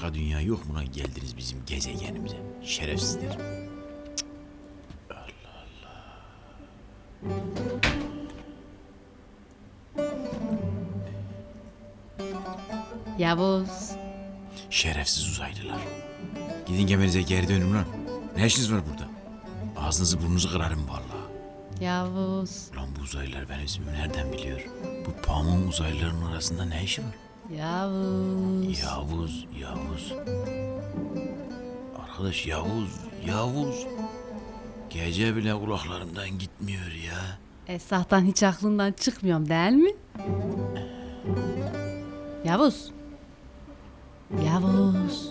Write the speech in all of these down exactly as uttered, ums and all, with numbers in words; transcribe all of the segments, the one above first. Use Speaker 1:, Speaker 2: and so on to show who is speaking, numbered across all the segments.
Speaker 1: başka dünya yok mu lan, geldiniz bizim gezegenimize? Şerefsizler.
Speaker 2: Yavuz.
Speaker 1: Şerefsiz uzaylılar. Gidin geminize geri dönün lan. Ne işiniz var burada? Ağzınızı burnunuzu kırarım vallahi.
Speaker 2: Yavuz.
Speaker 1: Lan bu uzaylılar benim ismimi nereden biliyor? Bu pamuğun uzaylıların arasında ne işi var?
Speaker 2: Yavuz.
Speaker 1: Yavuz, Yavuz. Arkadaş Yavuz, Yavuz. Gece bile kulaklarımdan gitmiyor ya.
Speaker 2: Esahtan hiç aklından çıkmıyorum değil mi? Yavuz. Yavuz.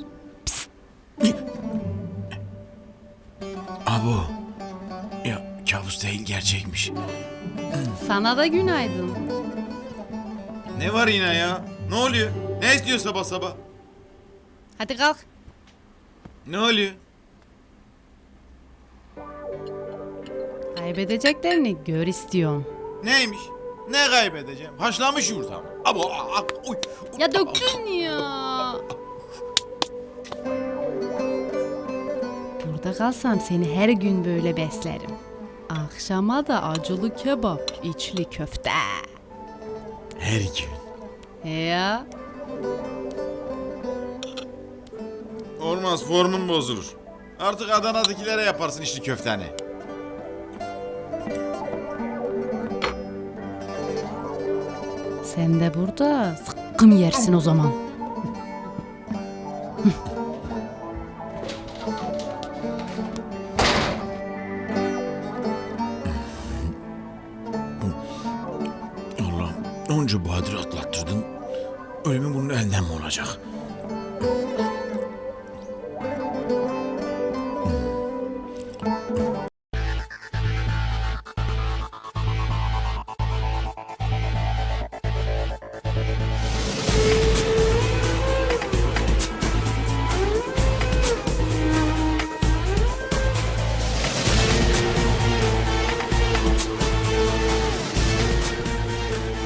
Speaker 1: Abo. Ya kabus değil, gerçekmiş.
Speaker 2: Sana da günaydın.
Speaker 3: Ne var yine ya? Ne oluyor? Ne istiyor sabah sabah?
Speaker 2: Hadi kalk.
Speaker 3: Ne oluyor?
Speaker 2: Kaybedeceklerini gör istiyorum.
Speaker 3: Neymiş? Ne kaybedeceğim? Haşlanmış yumurta mı? Abo, a, a, uy, uy.
Speaker 2: Ya döktün ya. Burada kalsam seni her gün böyle beslerim. Akşama da acılı kebap, içli köfte.
Speaker 1: Her gün.
Speaker 2: He ya.
Speaker 3: Olmaz, formun bozulur. Artık Adana'dakilere yaparsın içli köfteni.
Speaker 2: Sen de burada zıkkım yersin o zaman.
Speaker 1: Allah'ım, onca bahadır atlattırdın. Ölümün bunun elinden mi olacak?